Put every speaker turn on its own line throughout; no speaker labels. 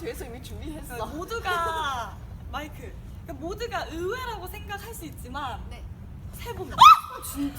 뒤에서 이미 준비했어.
모두가 마이크. 그러니까 모두가 의외라고 생각할 수 있지만
네.
세 분.
진짜?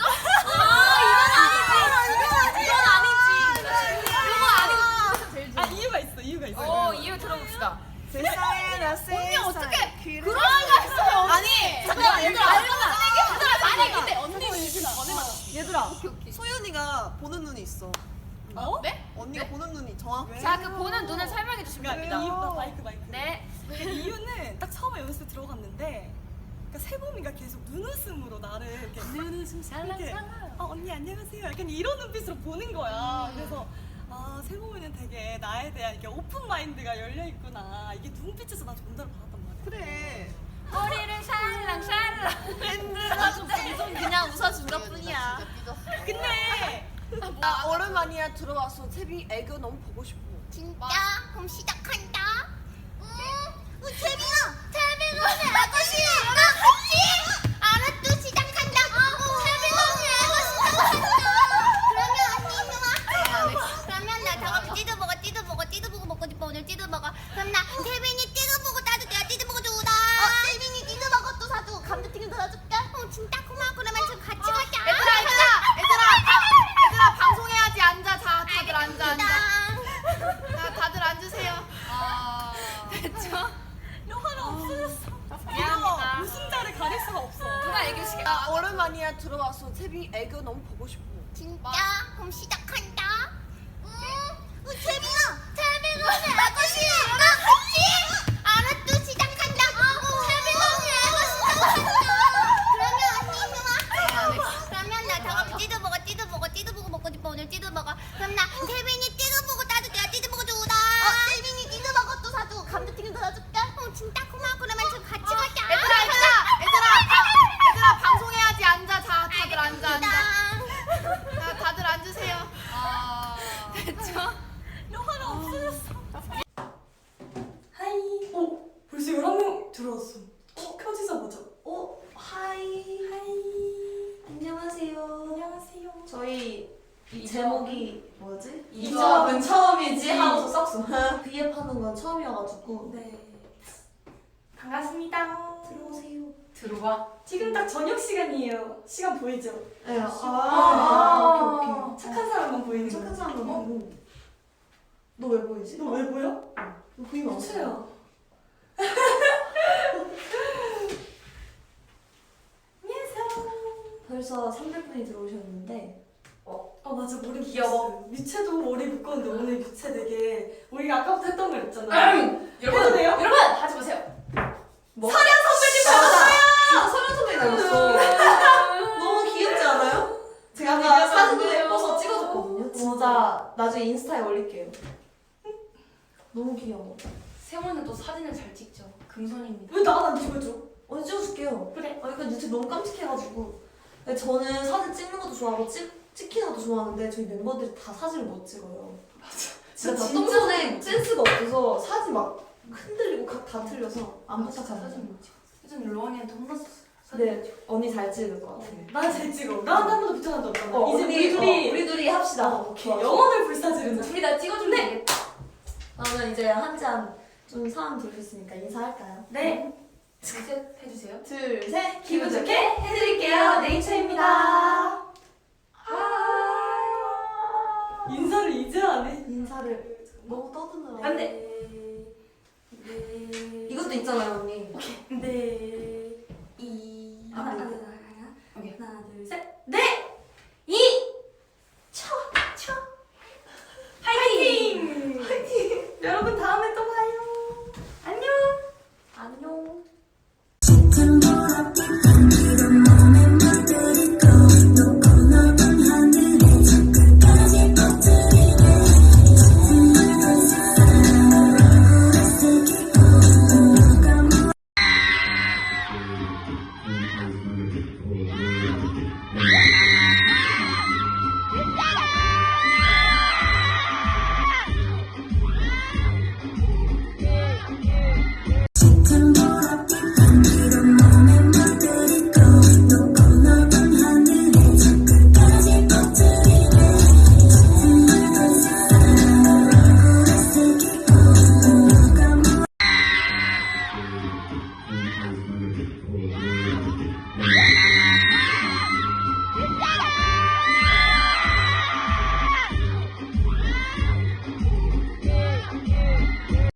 아 이유가 있어.
이유 들어봅시다.
세상에 나
언니 어떻게 그런
거
했어요?
아니
잠깐만 얘들아. 아니 근데 언니
얘들아
오케이.
소연이가 보는 눈이 있어.
어?
네?
언니가 보는 눈이 정확해.
자, 그 보는 눈을 설명해 주시면
그러니까
됩니다.
이유 마이크.
네.
그러니까 이유는 딱 처음에 연습 들어갔는데 그러니까 세범이가 계속 눈웃음으로 나를 이렇게
눈웃음
이렇게 언니 안녕하세요 약간 이런 눈빛으로 보는 거야. 그래서 아 세범이는 되게 나에 대한 이렇게 오픈 마인드가 열려 있구나. 이게 눈빛에서 나 전달을 받았단 말이야.
그래.
머리를 샬랑샬랑 밴드가 그냥 웃어준 것뿐이야.
근데
나 오랜만이야 들어와서 세빈이 애교 너무 보고 싶어.
진짜? 그럼 시작한다. 태빈아 오늘 아가씨 나 같이 알았어 시작한다. 태빈아 오늘 아가씨 나 같이. 그러면 언니 좋아. 그러면 나 다음에 찌드버거 먹고 싶어. 오늘 찌드버거. 그럼 나 태빈이 찌드버거 따줄게. 찌드버거 주라. 태빈이 찌드버거 또 사주고 감자튀김 도 사줄게. 진짜 고마워. 그러면 저 같이 가자.
얘들아 방송해야지. 앉아. 자, 다들 앉아. 자, 다들 앉으세요. 됐죠?
영화가 없어졌어.
미안합니다.
웃음자를 가릴 수가 없어.
누가 애교시켜?
나 오랜만이야 들어와서 세빈이 애교 너무 보고 싶어.
진짜? 그럼 시작한다. 태빈아 오늘 아가씨 나 같이. 알았어 시작한다. 태빈아 오늘 아가씨 나 같이. 그러면 언니 좋아. 그러면 나 다음에 찌드버거 먹고 싶어. 오늘 찌드버거. 그럼 나 태빈이 찌드버거 따줄게. 찌드버거 주라. 태빈이 찌드버거 또 사주고 감자튀김 도 사줄게. 진짜 고마워. 그러면 저 같이 가자.
얘들아 방송해야지. 앉아. 자, 다들 앉아. 자, 다들 앉으세요. 됐죠?
영화가 없어졌어. 하이. 벌써 11명 들어왔어. 켜지자마자.
하이. 안녕하세요.
안녕하세요.
저희 제목이 뭐지?
이 조합은 처음이지
하고서 썩소. V앱하는 건 처음이어가지고.
네. 반갑습니다.
들어오세요.
들어와.
지금 딱 저녁 시간이에요. 시간 보이죠?
네.
오케이. 착한 사람만 보이는
착한
거야.
사람도 보고. 너 왜 보이지?
너 왜 보여?
너 보이면 안 돼.
최야. 안녕하세요.
벌써 300분이 들어오셨는데.
맞아 머리
귀여워.
묶었어요. 미채도 머리 묶었는데 오늘 미채 되게 우리가 아까부터 했던 거 있잖아. 해도 돼요?
여러분 하지 마세요.
뭐?
서련 선배님
진짜 서련 선배님 닮았어. 너무 귀엽지 않아요? 제가 아까 사진도 예뻐서 찍어줬거든요. 진짜 나중에 인스타에 올릴게요. 너무 귀여워.
세모는 또 사진을 잘 찍죠. 금손입니다.
왜 나만 찍어줘?
언제 찍어줄게요.
그래.
이거 유튜브 너무 깜찍해가지고. 근데 저는 사진 찍는 것도 좋아하고 찍히는 것도 좋아하는데 저희 멤버들이 다 사진을 못 찍어요. 진짜 다 똥손에 센스가 없어서 사진 막 흔들리고 각 다 틀려서 안 부탁하는
사진 못 찍어. 예전에 로원이한테 혼났었어.
근데 언니 잘 찍을 것 같아.
난 잘 찍어. 나한 번도 붙여난 적 없잖아. 이제
우리 둘이 합시다.
오케이. 영혼을 불사지르는.
둘이 다 찍어주면 되겠다.
그러면 이제 한 잔 좀 사람 들었으니까 인사할까요?
네.
둘셋 해주세요.
둘, 셋.
기분 좋게 해드릴게요. 네이처입니다. 인사를 이제 하네.
인사를 너무 떠드느라.
안 돼.
이것도 있잖아요, 언니.
네.
하나,
오케이.
둘, 셋.
네.